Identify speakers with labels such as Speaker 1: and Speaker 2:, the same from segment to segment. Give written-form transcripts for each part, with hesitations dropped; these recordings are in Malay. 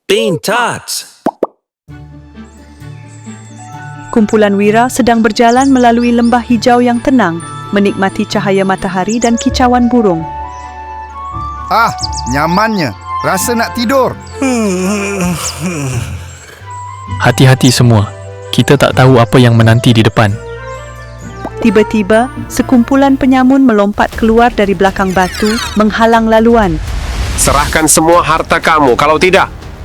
Speaker 1: Bean Tots.
Speaker 2: Kumpulan Wira sedang berjalan melalui lembah hijau yang tenang, menikmati cahaya matahari dan kicauan burung.
Speaker 3: Ah, nyamannya. Rasa nak tidur.
Speaker 4: Hati-hati semua. Kita tak tahu apa yang menanti di depan.
Speaker 2: Tiba-tiba, sekumpulan penyamun melompat keluar dari belakang batu, menghalang laluan.
Speaker 5: Serahkan semua harta kamu, kalau tidak.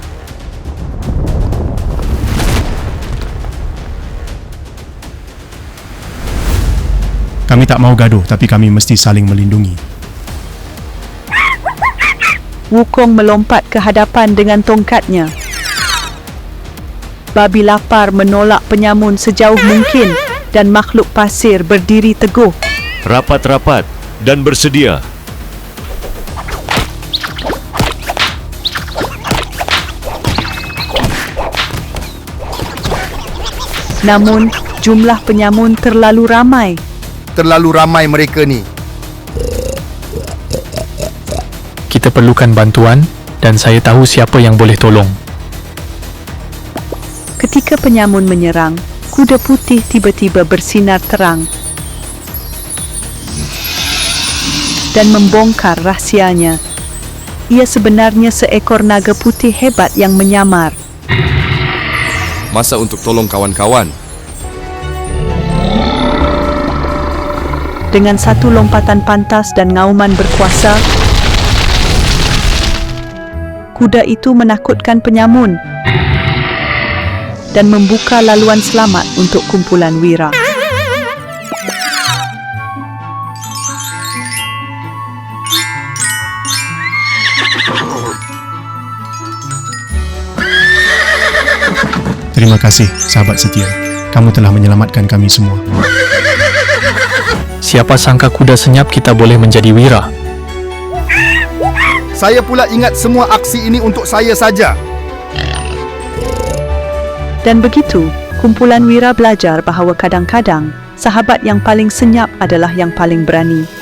Speaker 6: Kami tak mau gaduh, tapi kami mesti saling melindungi.
Speaker 2: Wukong melompat ke hadapan dengan tongkatnya. Babi lapar menolak penyamun sejauh mungkin dan makhluk pasir berdiri teguh.
Speaker 7: Rapat-rapat dan bersedia.
Speaker 2: Namun, jumlah penyamun terlalu ramai.
Speaker 3: Terlalu ramai mereka ni.
Speaker 4: Kita perlukan bantuan dan saya tahu siapa yang boleh tolong.
Speaker 2: Ketika penyamun menyerang, kuda putih tiba-tiba bersinar terang dan membongkar rahsianya. Ia sebenarnya seekor naga putih hebat yang menyamar.
Speaker 8: Masa untuk tolong kawan-kawan.
Speaker 2: Dengan satu lompatan pantas dan ngauman berkuasa, kuda itu menakutkan penyamun dan membuka laluan selamat untuk kumpulan Wira.
Speaker 6: Terima kasih, sahabat setia. Kamu telah menyelamatkan kami semua.
Speaker 4: Siapa sangka kuda senyap kita boleh menjadi Wira.
Speaker 3: Saya pula ingat semua aksi ini untuk saya saja.
Speaker 2: Dan begitu, kumpulan Wira belajar bahawa kadang-kadang sahabat yang paling senyap adalah yang paling berani.